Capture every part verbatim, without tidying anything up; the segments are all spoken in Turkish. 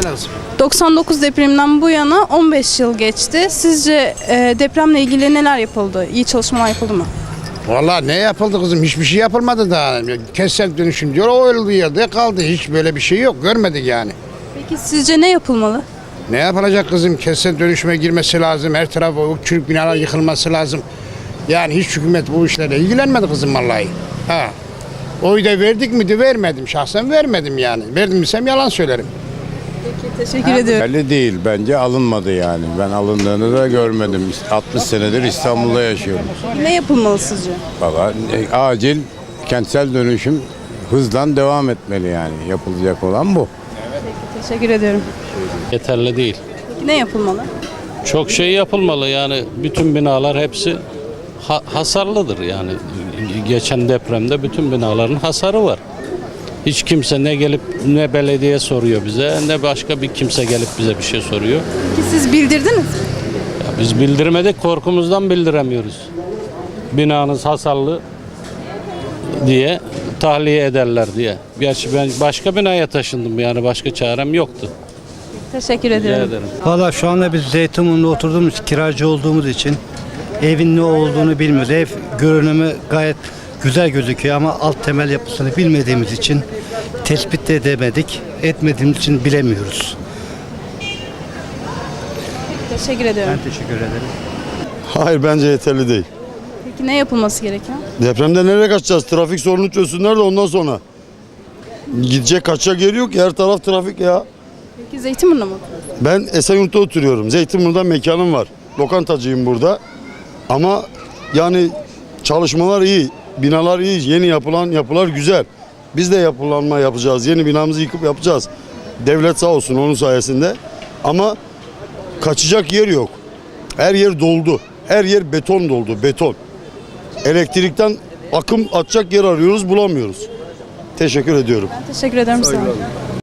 lazım. doksan dokuz depreminden bu yana on beş yıl geçti. Sizce e, depremle ilgili neler yapıldı? İyi çalışmalar yapıldı mı? Vallahi ne yapıldı kızım? Hiçbir şey yapılmadı daha. Kentsel dönüşüm diyor, o öldüğü yerde kaldı. Hiç böyle bir şey yok. Görmedik yani. Peki sizce ne yapılmalı? Ne yapılacak kızım? Kentsel dönüşüme girmesi lazım. Her tarafı o çürük binalar yıkılması lazım. Yani hiç hükümet bu işlerle ilgilenmedi kızım vallahi. Ha. Oyu da verdik mi de vermedim. Şahsen vermedim yani. Verdim desem yalan söylerim. Peki, teşekkür ediyorum. Belli değil. Bence alınmadı yani. Ben alındığını da görmedim. altmış senedir İstanbul'da yaşıyorum. Ne yapılmalı sizce? Valla e, acil kentsel dönüşüm hızla devam etmeli yani. Yapılacak olan bu. Teşekkür ediyorum. Yeterli değil. Peki ne yapılmalı? Çok şey yapılmalı yani bütün binalar hepsi ha- hasarlıdır yani. Geçen depremde bütün binaların hasarı var. Hiç kimse ne gelip ne belediye soruyor bize ne başka bir kimse gelip bize bir şey soruyor. Peki siz bildirdiniz mi? Ya biz bildirmedik, korkumuzdan bildiremiyoruz. Binanız hasarlı diye tahliye ederler diye. Gerçi ben başka binaya taşındım yani başka çarem yoktu. Teşekkür Rica ediyorum. ederim. Valla şu anda biz Zeytinburnu'nda oturduğumuz, kiracı olduğumuz için evin ne olduğunu bilmiyoruz. Ev görünümü gayet güzel gözüküyor ama alt temel yapısını bilmediğimiz için tespit de edemedik. Etmediğimiz için bilemiyoruz. Teşekkür ediyorum. Ben teşekkür ederim. Hayır, bence yeterli değil. Peki ne yapılması gerekiyor? Depremde nereye kaçacağız? Trafik sorunu çözsünler de ondan sonra. Gidecek kaçacak yeri yok ki, her taraf trafik ya. Peki Zeytinburnu'na mı oturuyorsunuz? Ben Esenyurt'ta oturuyorum. Zeytinburnu'da mekanım var. Lokantacıyım burada. Ama yani çalışmalar iyi, binalar iyi, yeni yapılan yapılar güzel. Biz de yapılanma yapacağız. Yeni binamızı yıkıp yapacağız. Devlet sağ olsun onun sayesinde. Ama kaçacak yer yok. Her yer doldu. Her yer beton doldu, beton. Elektrikten akım atacak yer arıyoruz, bulamıyoruz. Teşekkür ediyorum. Ben teşekkür ederim. Sağ olun.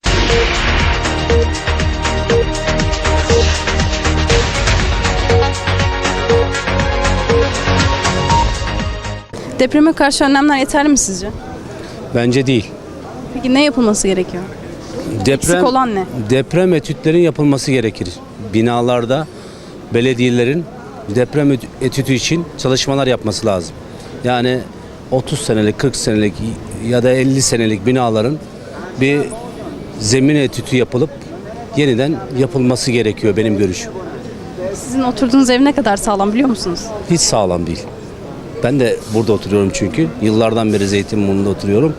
Depreme karşı önlemler yeterli mi sizce? Bence değil. Peki ne yapılması gerekiyor? Eksik olan ne? Deprem etütlerin yapılması gerekir. Binalarda belediyelerin deprem etütü için çalışmalar yapması lazım. Yani otuz senelik, kırk senelik ya da elli senelik binaların bir zemin etütü yapılıp yeniden yapılması gerekiyor benim görüşüm. Sizin oturduğunuz ev ne kadar sağlam biliyor musunuz? Hiç sağlam değil. Ben de burada oturuyorum çünkü. Yıllardan beri Zeytinburnu'nda oturuyorum.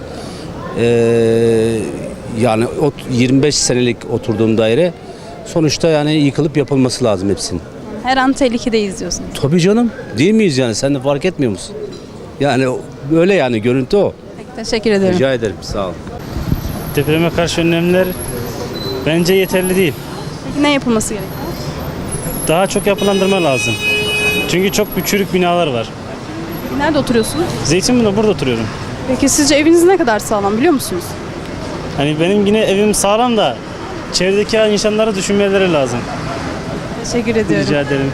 Ee, yani yirmi beş senelik oturduğum daire sonuçta yani yıkılıp yapılması lazım hepsinin. Her an tehlikedeyiz diyorsunuz. Tabii canım. Değil miyiz yani? Sen de fark etmiyor musun? Yani öyle yani görüntü o. Peki, teşekkür ederim. Rica ederim. Sağ ol. Depreme karşı önlemler bence yeterli değil. Peki ne yapılması gerekiyor? Daha çok yapılandırma lazım. Çünkü çok bir çürük binalar var. Nerede oturuyorsunuz? Zeytinburnu'da burada oturuyorum. Peki sizce eviniz ne kadar sağlam biliyor musunuz? Hani benim yine evim sağlam da çevredeki insanları düşünmeleri lazım. Teşekkür ediyorum. Rica ederim.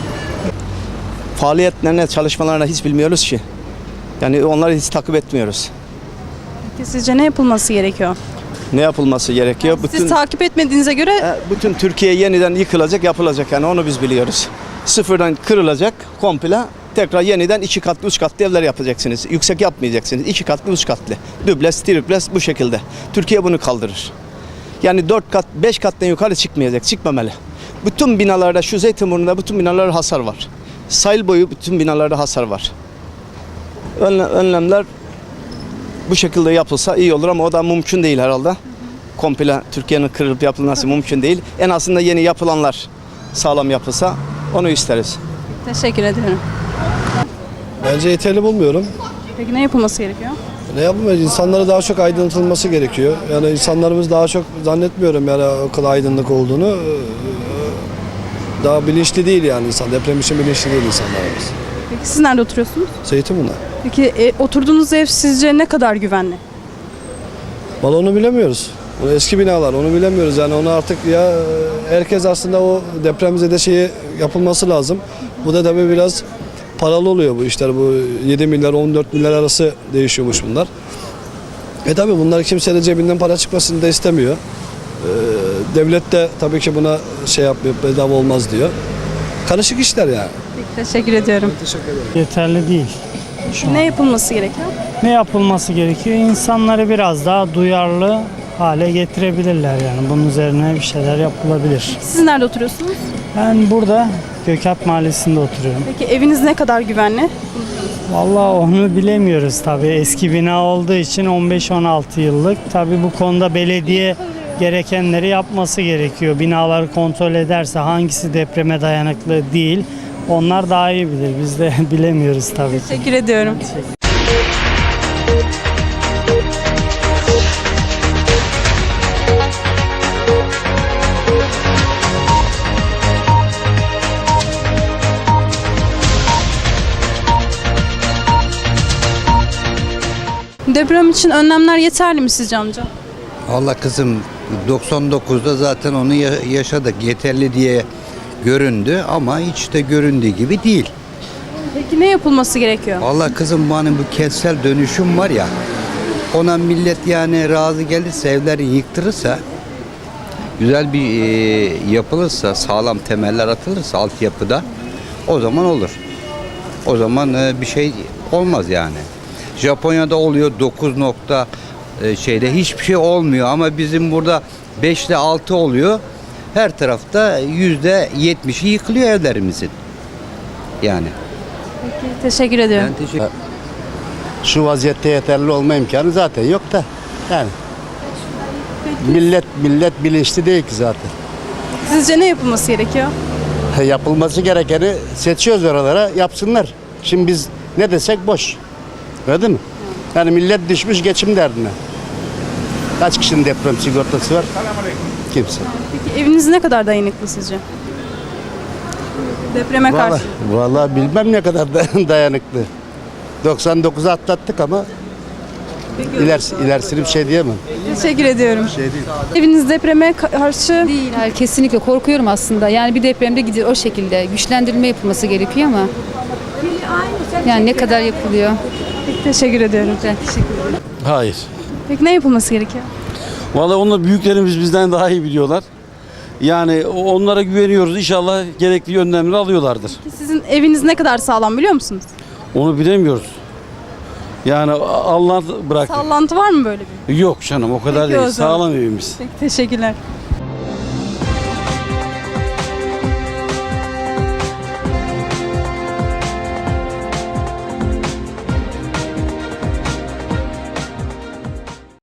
Faaliyetlerine, çalışmalarına hiç bilmiyoruz ki. Yani onları hiç takip etmiyoruz. Peki sizce ne yapılması gerekiyor? Ne yapılması gerekiyor? Siz Bütün takip etmediğinize göre e, bütün Türkiye yeniden yıkılacak, yapılacak yani onu biz biliyoruz. Sıfırdan kırılacak komple. Tekrar yeniden iki katlı, üç katlı evler yapacaksınız. Yüksek yapmayacaksınız. İki katlı, üç katlı. Dübles, tripless bu şekilde. Türkiye bunu kaldırır. Yani dört kat, beş kattan yukarı çıkmayacak, çıkmamalı. Bütün binalarda, şu Zeytinburnu'nda bütün binalarda hasar var. Sahil boyu bütün binalarda hasar var. Önlemler bu şekilde yapılsa iyi olur ama o da mümkün değil herhalde. Komple Türkiye'nin kırılıp yapılması mümkün değil. En azından yeni yapılanlar sağlam yapılsa onu isteriz. teşekkür ederim. Bence yeterli bulmuyorum. Peki ne yapılması gerekiyor? Ne yapılmaz? İnsanlara daha çok aydınlatılması gerekiyor. Yani insanlarımız daha çok zannetmiyorum yani o kadar aydınlık olduğunu. Daha bilinçli değil yani insan. Deprem için bilinçli değil insanlarımız. Peki siz nerede oturuyorsunuz? Zeytinburnu. Peki e, oturduğunuz ev sizce ne kadar güvenli? Vallahi onu bilemiyoruz. O eski binalar onu bilemiyoruz yani onu artık ya herkes aslında o depremzede şeyi yapılması lazım. Bu da tabii biraz paralı oluyor bu işler. Bu yedi milyar on dört milyar arası değişiyormuş bunlar. E tabii bunlar kimse de cebinden para çıkmasını da istemiyor. Ee, devlet de tabii ki buna şey yapmıyor, bedava olmaz diyor. Karışık işler yani. Peki, teşekkür ediyorum. Yeterli değil. Peki, ne yapılması gerekiyor? Ne yapılması gerekiyor? İnsanları biraz daha duyarlı hale getirebilirler yani. Bunun üzerine bir şeyler yapılabilir. Siz nerede oturuyorsunuz? Ben burada Gökalp Mahallesi'nde oturuyorum. Peki eviniz ne kadar güvenli? Vallahi onu bilemiyoruz tabii. Eski bina olduğu için on beş on altı yıllık. Tabii bu konuda belediye gerekenleri yapması gerekiyor. Binaları kontrol ederse hangisi depreme dayanıklı değil, onlar daha iyi bilir. Biz de bilemiyoruz tabii. Teşekkür ediyorum. Deprem için önlemler yeterli mi sizce amca? Valla kızım doksan dokuzda zaten onu ya- yaşadık. Yeterli diye göründü ama hiç de göründüğü gibi değil. Peki ne yapılması gerekiyor? Valla kızım hani bu kentsel dönüşüm var ya, ona millet yani razı gelirse, evleri yıktırırsa, güzel bir e, yapılırsa, sağlam temeller atılırsa altyapıda, o zaman olur. O zaman e, bir şey olmaz yani. Japonya'da oluyor dokuz nokta e, şeyde hiçbir şey olmuyor ama bizim burada beş ile altı oluyor. Her tarafta yüzde yetmişi yıkılıyor evlerimizin. Yani. Peki, teşekkür ediyorum. Ben teşekkür Şu vaziyette yeterli olma imkanı zaten yok da. Yani millet millet bilinçli değil ki zaten. Sizce ne yapılması gerekiyor? Yapılması gerekeni seçiyoruz oralara, yapsınlar. Şimdi biz ne desek boş. Öyle mi? Yani millet düşmüş geçim derdine. Kaç kişinin deprem sigortası var? Kimse. Peki eviniz ne kadar dayanıklı sizce? Depreme karşı. Vallahi, vallahi bilmem ne kadar da- dayanıklı. doksan dokuzu atlattık ama ilerisi, ilerisini bir şey diyemem. Teşekkür ediyorum. Şey değil. Eviniz depreme karşı Değil, hayır, kesinlikle korkuyorum aslında. Yani bir depremde gidiyor o şekilde. Güçlendirilme yapılması gerekiyor ama yani ne kadar yapılıyor? Peki, teşekkür ediyorum. Ben teşekkür ederim. Hayır. Peki ne yapılması gerekiyor? Vallahi onlar büyüklerimiz bizden daha iyi biliyorlar. Yani onlara güveniyoruz. İnşallah gerekli önlemleri alıyorlardır. Peki sizin eviniz ne kadar sağlam biliyor musunuz? Onu bilemiyoruz. Yani Allah bıraktı. Sallantı var mı böyle bir? Yok canım o kadar Peki o değil. zaman. Sağlam evimiz. Peki, teşekkürler.